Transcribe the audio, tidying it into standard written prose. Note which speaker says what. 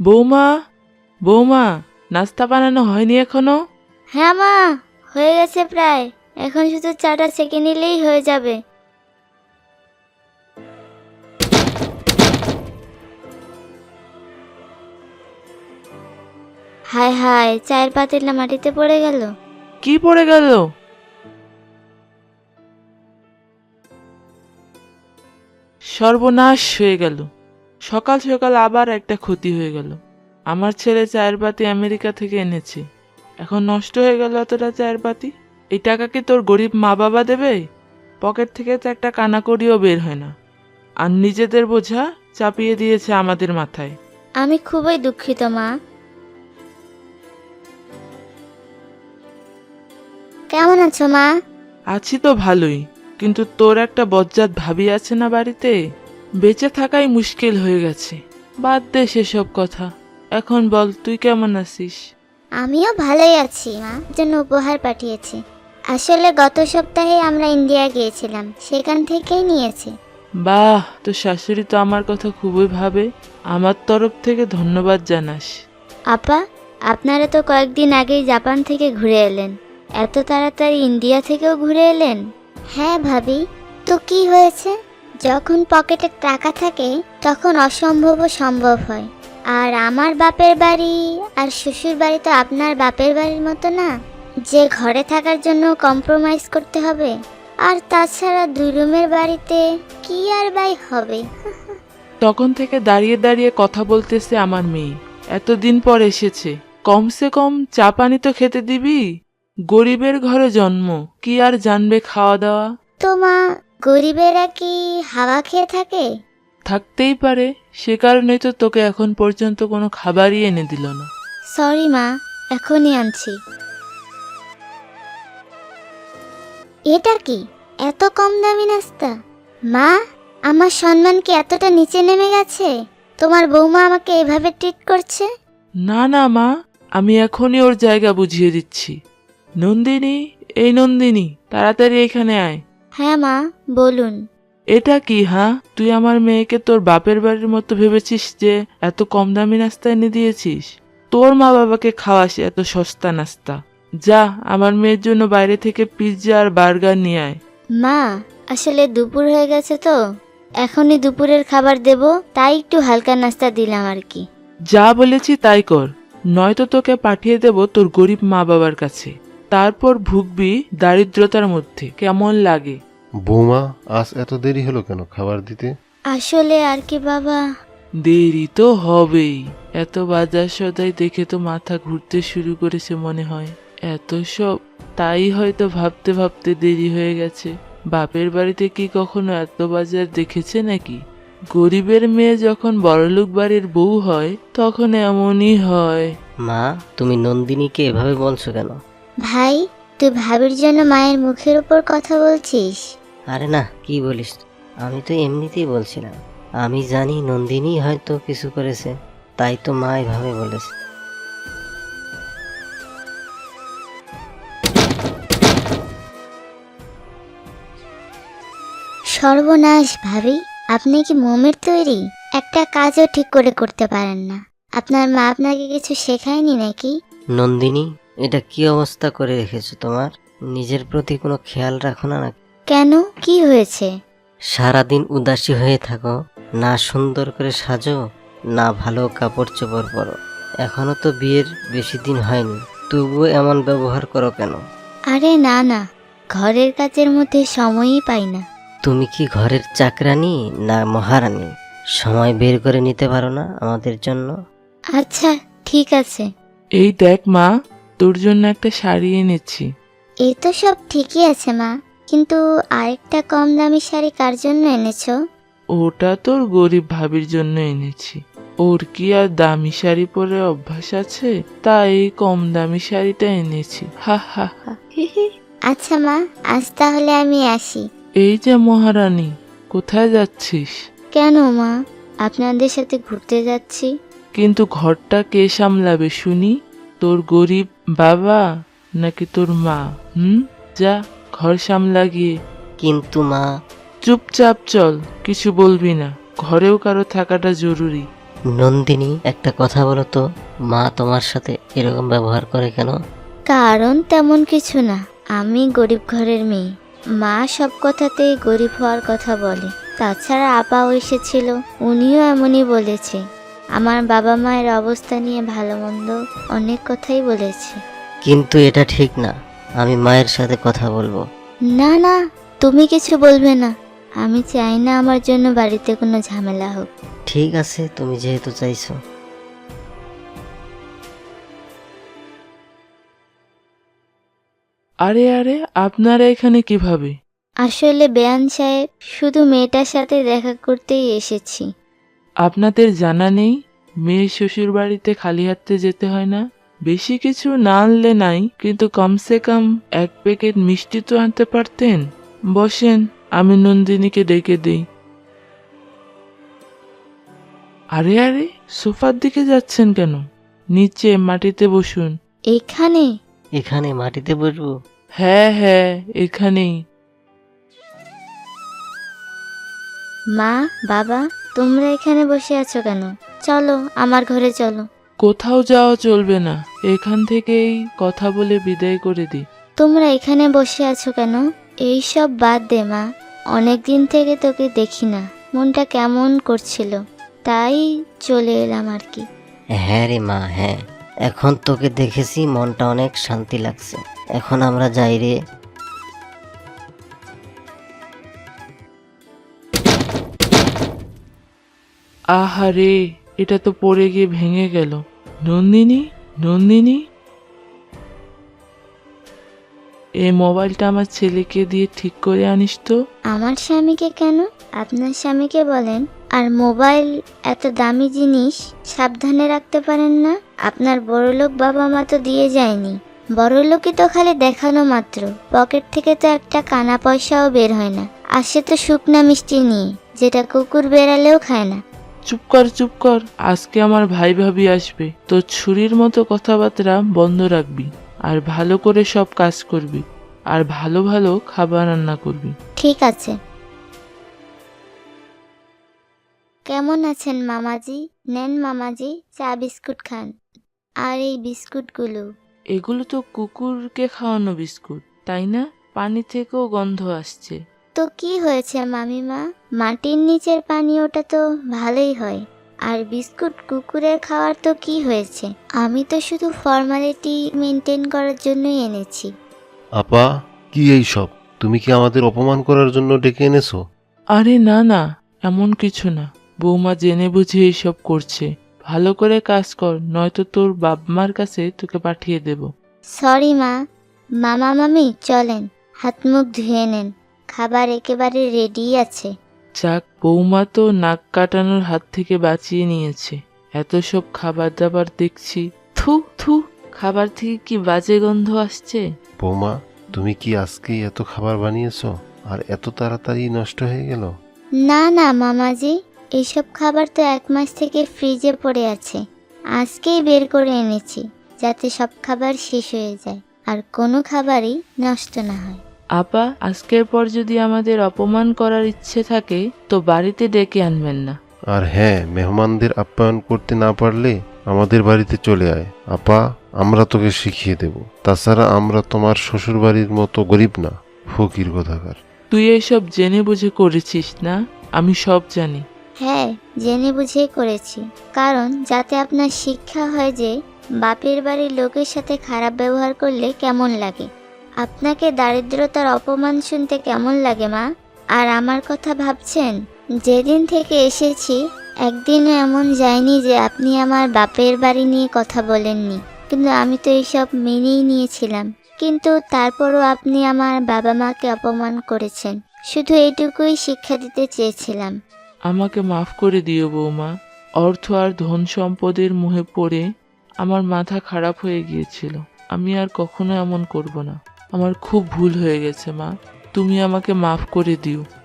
Speaker 1: বৌমা, বৌমা, নাস্তা বানানো হয়নি এখনো?
Speaker 2: হ্যাঁ মা, হয়ে গেছে প্রায়। এখন শুধু চাটা সেঁকে নিলেই হয়ে যাবে। হায় হায়, চায়ের পাতিলটা মাটিতে পড়ে গেল।
Speaker 1: কি পড়ে গেল? সর্বনাশ হয়ে গেল। সকাল সকাল আবার একটা ক্ষতি হয়ে গেল। আমার ছেলে চায়ের পাতি আমেরিকা থেকে এনেছে, এখন নষ্ট হয়ে গেল এতটা চায়ের পাতি। এই টাকা কি তোর গরিব মা বাবা দেবে? পকেট থেকে তো একটা কানাকড়িও বের হয় না, আর নিজেদের বোঝা চাপিয়ে দিয়েছে আমাদের মাথায়।
Speaker 2: আমি খুবই দুঃখিত মা। কেমন আছো মা?
Speaker 1: আছি তো ভালোই, কিন্তু তোর একটা বজ্জাত ভাবি আছে না বাড়িতে, বেঁচে থাকাই মুশকিল হয়ে গেছে। বাদ দে সেসব কথা, এখন বল তুই কেমন আছিস?
Speaker 2: আমিও ভালোই আছি মা। জন্য উপহার পাঠিয়েছি। আসলে গত সপ্তাহে আমরা ইন্ডিয়া গিয়েছিলাম, সেখান থেকেই নিয়েছি।
Speaker 1: বাহ, তোর শাশুড়ি তো আমার কথা খুবই ভাবে। আমার তরফ থেকে ধন্যবাদ জানাস।
Speaker 2: আপা, আপনারা তো কয়েকদিন আগেই জাপান থেকে ঘুরে এলেন, এত তাড়াতাড়ি ইন্ডিয়া থেকেও ঘুরে এলেন? হ্যাঁ ভাবি, তো কি হয়েছে? যখন পকেটে টাকা থাকে তখন অসম্ভবও সম্ভব হয়। আর আমার বাপের বাড়ি আর শ্বশুর বাড়ি তো আপনার বাপের বাড়ির মতো না, যে ঘরে থাকার জন্য কম্প্রোমাইজ করতে হবে। আর তাছাড়া 2 রুমের বাড়িতে কি আর বাই হবে।
Speaker 1: তখন থেকে দাঁড়িয়ে দাঁড়িয়ে কথা বলতেছে আমার মেয়ে, এতদিন পর এসেছে, কমসে কম চা পানি তো খেতে দিবি। গরিবের ঘরে জন্ম, কি আর জানবে খাওয়া দাওয়া?
Speaker 2: তো মা, গরিবেরা কি হাওয়া খেয়ে থাকে?
Speaker 1: থাকতেই পারে, সে কারণেই তো তোকে এখন পর্যন্ত কোনো খাবারই এনে দিল না।
Speaker 2: সরি মা, এখনই আনছি। এটা কি এত কম দামি নাস্তা? মা, আমার সম্মান কি এতটা নিচে নেমে গেছে? তোমার বৌমা আমাকে এভাবে ট্রিট করছে?
Speaker 1: না না মা, আমি এখনই ওর জায়গা বুঝিয়ে দিচ্ছি। নন্দিনী, এই নন্দিনী, তাড়াতাড়ি এখানে আয়।
Speaker 2: হ্যাঁ মা, বলুন।
Speaker 1: এটা কি? হ্যাঁ, তুই আমার মেয়েকে তোর বাপের বাড়ির মতো ভেবেছিস যে এত কম দামি নাস্তা এনে দিয়েছিস? তোর মা বাবাকে খাওয়াস এত সস্তা নাস্তা? যা, আমার মেয়ের জন্য বাইরে থেকে পিৎজা আর বার্গার নিয়ে আয়।
Speaker 2: মা, আসলে দুপুর হয়ে গেছে তো, এখনই দুপুরের খাবার দেব, তাই একটু হালকা নাস্তা দিলাম আর কি।
Speaker 1: যা বলেছি তাই কর, নয়তো তোকে পাঠিয়ে দেব তোর গরিব মা বাবার কাছে। তারপর ভুগবি দারিদ্রতার মধ্যে। কেমন লাগে?
Speaker 3: বৌমা, আজ এত দেরি হলো কেন খাবার দিতে?
Speaker 2: আসলে আর কি বাবা।
Speaker 1: দেরি তো হবেই, এত বাজার সদাই দেখে তো মাথা ঘুরতে শুরু করেছে মনে হয়। এত সব, তাই হয়তো ভাবতে ভাবতে দেরি হয়ে গেছে। বাপের বাড়িতে কি কখনো এত বাজার দেখেছে নাকি? গরিবের মেয়ে যখন বড়লোক বাড়ির বউ হয় তখন এমনই হয়।
Speaker 4: মা, তুমি নন্দিনীকে এভাবে বলছো কেন?
Speaker 2: ভাই, তুই ভাবির জন্য মায়ের মুখের উপর কথা বলছিস?
Speaker 4: আরে না, কি বলিস? আমি তো এমনিতেই বলছিলাম। আমি জানি নন্দিনী হয়তো কিছু করেছে, তাই তো মা এভাবে বলেছে।
Speaker 2: সর্বনাশ ভাবি, আপনি কি মোমের তৈরি? একটা কাজও ঠিক করে করতে পারেন না। আপনার মা আপনাকে কিছু শেখায়নি নাকি?
Speaker 4: নন্দিনী, এটা কি অবস্থা করে রেখেছো তোমার? নিজের প্রতি কোনো খেয়াল রাখো না নাকি?
Speaker 2: কেন, কি হয়েছে?
Speaker 4: সারাদিন উদাসী হয়ে থাকো, না সুন্দর করে সাজো, না ভালো কাপড় চোপড় পরো। এখনো তো বিয়ের বেশি দিন হয়নি, তবুও এমন ব্যবহার করো কেন?
Speaker 2: আরে না না, ঘরের কাজের মধ্যে সময়ই পাই না।
Speaker 4: তুমি কি ঘরের চাকরানি না মহারানী? সময় বের করে নিতে পারো না আমাদের জন্য?
Speaker 2: আচ্ছা, ঠিক আছে।
Speaker 1: এই দেখ মা, তোর জন্য একটা শাড়ি এনেছি।
Speaker 2: এই তো সব ঠিকই আছে মা, কিন্তু আরেকটা কম দামি শাড়ি কার জন্য এনেছো?
Speaker 1: ওটা তোর গরিব ভাবির জন্য এনেছি। ওর কি আর দামি শাড়ি পরে অভ্যাস আছে, তাই এই কম দামি শাড়িটা এনেছি। হা হা হা।
Speaker 2: আচ্ছা মা, আজ তাহলে আমি আসি।
Speaker 1: এই যে মহারানী, কোথায় যাচ্ছিস?
Speaker 2: কেন মা, আপনাদের সাথে ঘুরতে যাচ্ছি।
Speaker 1: কিন্তু ঘরটা কে সামলাবে শুনি? তোর গরিব বাবা নাকি তোর মা? যা, ঘর সামলা গিয়ে।
Speaker 4: কিন্তু মা,
Speaker 1: চুপচাপ চল, কিছু বলবি না। ঘরেও কারো থাকাটা জরুরি।
Speaker 4: নন্দিনী, একটা কথা বলো তো, মা তোমার সাথে এরকম ব্যবহার করে কেন?
Speaker 2: কারণ তেমন কিছু না, আমি গরিব ঘরের মেয়ে। মা সব কথাতেই গরিব হওয়ার কথা বলে। তাছাড়া আপাও এসেছিল, উনিও এমনই বলেছে। আমার বাবা মায়ের অবস্থা নিয়ে ভালো মন্দ অনেক কথাই বলেছে।
Speaker 4: কিন্তু এটা ঠিক না, আমি মায়ের সাথে কথা বলবো।
Speaker 2: না না, তুমি কিছু বলবে না। আমি চাই না আমার জন্য বাড়িতে কোনো ঝামেলা হোক।
Speaker 4: ঠিক আছে, তুমি যেহেতু চাইছো।
Speaker 1: আরে আরে, আপনারা এখানে কিভাবে?
Speaker 2: আসলে বেয়ান সাহেব, শুধু মেয়েটার সাথে দেখা করতেই এসেছি।
Speaker 1: আপনাদের জানা নেই মেয়ের শ্বশুর বাড়িতে খালি হাতে যেতে হয় না? বেশি কিছু না আনলে নাই, কিন্তু কমসে কম 1 প্যাকেট মিষ্টি তো আনতে পারতেন। বসেন, আমি নন্দিনীকে ডেকে দিই। আরে আরে, সোফার দিকে যাচ্ছেন কেন? নিচে মাটিতে বসুন।
Speaker 2: এখানে?
Speaker 4: এখানে মাটিতে বসবো?
Speaker 1: হ্যাঁ হ্যাঁ, এখানেই।
Speaker 2: মা, বাবা, তোমরা এখানে বসে আছো কেন? চলো আমার ঘরে চলো।
Speaker 1: কোথাও যাওয়া চলবে না, এখান থেকেই কথা বলে বিদায় করে দিই।
Speaker 2: তোমরা এখানে বসে আছো কেন? এই সব বাদ দে মা। অনেক দিন থেকে তোকে দেখি না, মনটা কেমন করছিল, তাই চলে এলাম আর কি।
Speaker 4: হ্যাঁ রে মা, হ্যাঁ, এখন তোকে দেখেছি মনটা অনেক শান্তি লাগছে। এখন আমরা যাই রে।
Speaker 1: আহারে, এটা তো পড়ে গিয়ে ভেঙে গেল। নন্দিনী, নন্দিনী, এই মোবাইলটা আমার ছেলেকে দিয়ে ঠিক করে আনিস তো।
Speaker 2: আমার স্বামীকে কেন? আপনার স্বামীকে বলেন। আর মোবাইল এত দামি জিনিস সাবধানে রাখতে পারেন না? আপনার বড়লোক বাবা মা তো দিয়ে যায়নি। বড়লোকই তো খালি দেখানো মাত্র, পকেট থেকে তো একটা কানা পয়সাও বের হয় না। আসে তো শুকনা মিষ্টি নিয়ে, যেটা কুকুর বেড়ালেও খায় না।
Speaker 1: চুপ কর চুপ কর, আজকে আমার ভাই ভাবি আসবে। তো ছুরির মতো কথাবার্তা বন্ধ রাখবি, আর ভালো করে সব কাজ করবি, আর ভালো ভালো খাবার রান্না করবি।
Speaker 2: ঠিক আছে। কেমন আছেন মামাজি? নেন মামাজি, চা বিস্কুট খান। আর এই বিস্কুটগুলো।
Speaker 1: এগুলো তো কুকুরকে খাওয়ানো বিস্কুট, তাই না? পানি থেকেও গন্ধ আসছে।
Speaker 2: তো কি হয়েছে মামিমা? মাটির নিচের পানি, ওটা তো ভালোই হয়। আর বিস্কুট কুকুরের খাওয়ার তো কি হয়েছে? আমি তো শুধু ফর্মালিটি মেনটেন করার জন্যই এনেছি।
Speaker 3: আপা, কি এই সব? তুমি কি আমাদের অপমান করার জন্য ডেকে এনেছো?
Speaker 1: আরে না না, এমন কিছু না। বৌমা জেনে বুঝে এইসব করছে। ভালো করে কাজ কর, নয়তো তোর বাপ-মার কাছে তোকে পাঠিয়ে দেব।
Speaker 2: সরি মা। মামা মামি চলেন, হাত মুখ ধুয়ে নেন। খাবার একেবারে রেডি আছে।
Speaker 1: যাক, বৌমা তো নাক কাটানোর হাত থেকে বাঁচিয়ে নিয়েছে। এত সব খাবার দাবার দেখছি। থু থু, খাবার থেকে কি বাজে গন্ধ আসছে।
Speaker 3: বৌমা, তুমি কি আজকেই এত খাবার বানিয়েছো আর এত তাড়াতাড়ি নষ্ট হয়ে গেল?
Speaker 2: না না মামাজি, এইসব খাবার তো 1 মাস থেকে ফ্রিজে পড়ে আছে। আজকেই বের করে এনেছি, যাতে সব খাবার শেষ হয়ে যায় আর কোনো খাবারই নষ্ট না হয়।
Speaker 1: আপা, আজকের পর যদি আমাদের অপমান করার ইচ্ছে থাকে তো বাড়িতে ডেকে আনবেন না।
Speaker 3: আর হ্যাঁ, মেহমানদের আপ্যায়ন করতে না পারলে আমাদের বাড়িতে চলে আয়। আপা, আমরা তোকে শিখিয়ে দেব। তাছাড়া আমরা তোমার শ্বশুর বাড়ির মতো গরিব না, ফকির কোথাকার।
Speaker 1: তুই এসব জেনে বুঝে করেছিস না? আমি সব জানি।
Speaker 2: হ্যাঁ, জেনে বুঝেই করেছি। কারণ যাতে আপনার শিক্ষা হয় যে বাপের বাড়ির লোকের সাথে খারাপ ব্যবহার করলে কেমন লাগে। আপনাকে দারিদ্রতার অপমান শুনতে কেমন লাগে মা? আর আমার কথা ভাবছেন? যেদিন থেকে এসেছি একদিনও এমন যায়নি যে আপনি আমার বাপের বাড়ি নিয়ে কথা বলেননি। কিন্তু আমি তো এইসব মেনেই নিয়েছিলাম। কিন্তু তারপরও আপনি আমার বাবা মাকে অপমান করেছেন। শুধু এইটুকুই শিক্ষা দিতে চেয়েছিলাম।
Speaker 1: আমাকে মাফ করে দিও বৌমা। অর্থ আর ধন সম্পদের মোহে পড়ে আমার মাথা খারাপ হয়ে গিয়েছিল। আমি আর কখনো এমন করব না। আমার খুব ভুল হয়ে গেছে মা, তুমি আমাকে মাফ করে দিও।